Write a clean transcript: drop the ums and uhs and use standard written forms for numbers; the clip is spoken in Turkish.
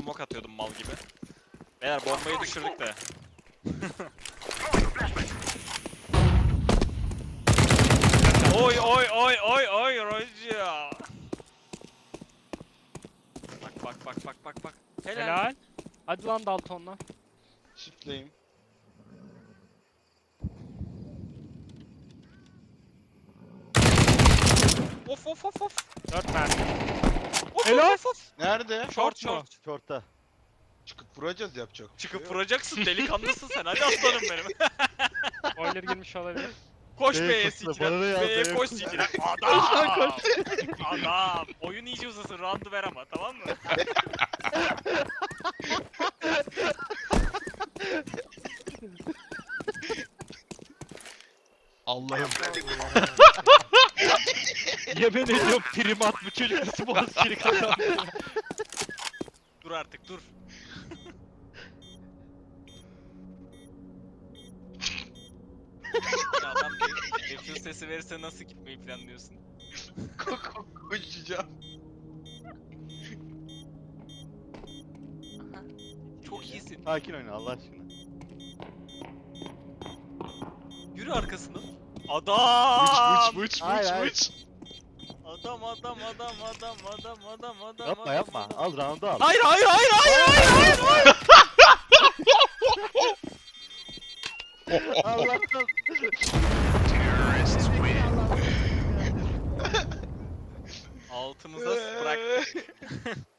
smoke atıyordum mal gibi. Beyler bombayı düşürdük de. Oy oy oy oy oy Roja. Bak. Helal. Hadi lan Dalton'la. Shift'leyim. Of. 4 mermi. Of, Helal. of. Nerede? Short. Short'ta. Çıkıp vuracağız, yapacak. bir şey Çıkıp yok. vuracaksın, delikanlısın sen. Hadi aslanım benim. Spoiler girmiş olabilir. Koş B'ye B'ye koştu, sikine. bana ne yazdı, B'ye B'ye koş koştu. sikine. Adam. Adam. Oyun iyice uzasın. Round'u ver ama, tamam mı? Allah'ım. Yemin ediyorum primat bu çocuk nasıl Boğaziçi'ni kazandı. Dur artık dur. Ya adam defuse sesi verirse nasıl gitmeyi planlıyorsun? Koşacağım. Çok iyisin. Sakin oyna Allah aşkına. Yürü arkasına. Adam! Vıç. Hayır, hayır. Adam. Yapma. adam. Al round'u al. Hayır. Allah'tan. Altımıza bırak.